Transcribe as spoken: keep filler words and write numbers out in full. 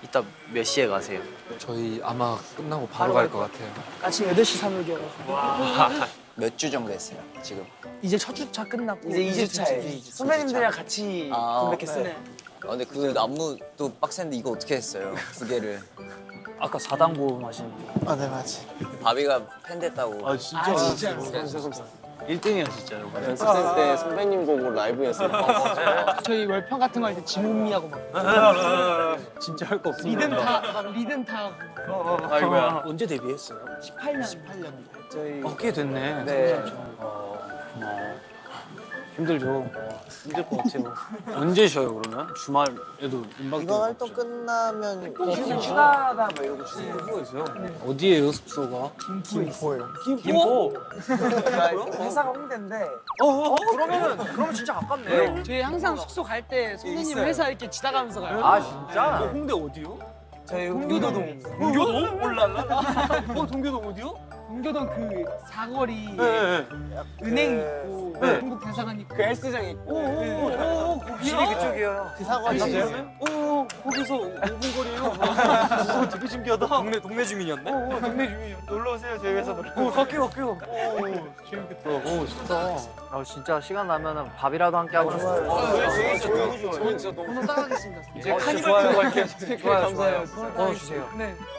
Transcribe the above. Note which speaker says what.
Speaker 1: 이따 몇 시에 가세요?
Speaker 2: 저희 아마 끝나고 바로 갈 것 같아요.
Speaker 3: 아침 여덟 시 삼일기여가지고
Speaker 4: 몇 주 정도 했어요, 지금?
Speaker 3: 이제 첫 주차 끝났고
Speaker 4: 이제 이 주차에.
Speaker 3: 선배님들이랑 같이
Speaker 4: 아.
Speaker 3: 컴백했어요.
Speaker 4: 네. 아, 근데 그 안무도 빡센데 이거 어떻게 했어요? 두 개를.
Speaker 1: 아까 사당고 마신 거.
Speaker 3: 아, 네, 맞지.
Speaker 4: 바비가 팬 됐다고.
Speaker 1: 아 진짜?
Speaker 3: 아, 진짜.
Speaker 1: 일 등이야 진짜.
Speaker 5: 연습생 때 선배님 보고 라이브였어요.
Speaker 3: 저희 월평 같은 거 할 때 지문미하고 막
Speaker 1: 진짜 할 거 없어.
Speaker 3: 리듬 타, 막 리듬 타고.
Speaker 1: 아이고야. 언제 데뷔했어요?
Speaker 3: 십팔 년. 십팔 년.
Speaker 5: 저희
Speaker 1: 어, 꽤 됐네.
Speaker 5: 네.
Speaker 1: 어, 고마워. 힘들죠. 힘들 것 같아요. 언제 쉬어요 그러면? 주말에도 음악
Speaker 5: 이번 활동 끝나면
Speaker 3: 휴가다 뭐 이러고
Speaker 1: 숙소가 있어요? 어디에요 숙소가?
Speaker 3: 김포예요.
Speaker 1: 김포?
Speaker 3: 회사가 홍대인데.
Speaker 1: 어, 그러면은 그러면 진짜 가깝네.
Speaker 3: 저희 항상 숙소 갈 때 선배님 회사 이렇게 지나가면서 가요.
Speaker 1: 아 진짜? 홍대 어디요?
Speaker 3: 저희 동교동.
Speaker 1: 동교동? 몰랄라. 어 동교동 어디요?
Speaker 3: 동교동 그 사거리
Speaker 1: 네.
Speaker 3: 은행 있고
Speaker 1: 네.
Speaker 3: 한국 대사관 있고
Speaker 5: 그 헬스장 있고
Speaker 1: 오오오 거기요?
Speaker 3: 집이 그쪽이에요.
Speaker 5: 그 사거리
Speaker 1: 오 거기서 오 분 거리에요? 오 되게 신기하다. 동네 동네 주민이었네? 오 동네 주민이요. 놀러 오세요 저희 회사 놀러. 오 갈게요 갈게요. 오 재밌겠다. 오 좋다. 아 진짜 시간 나면은 밥이라도 함께 하고 싶어요.
Speaker 5: 아, 진짜 너무 좋아요.
Speaker 3: 번호 따가겠습니다.
Speaker 1: 이제 카니발 타고 갈게요.
Speaker 5: 좋아요, 감사해요.
Speaker 1: 어 주세요.
Speaker 3: 네.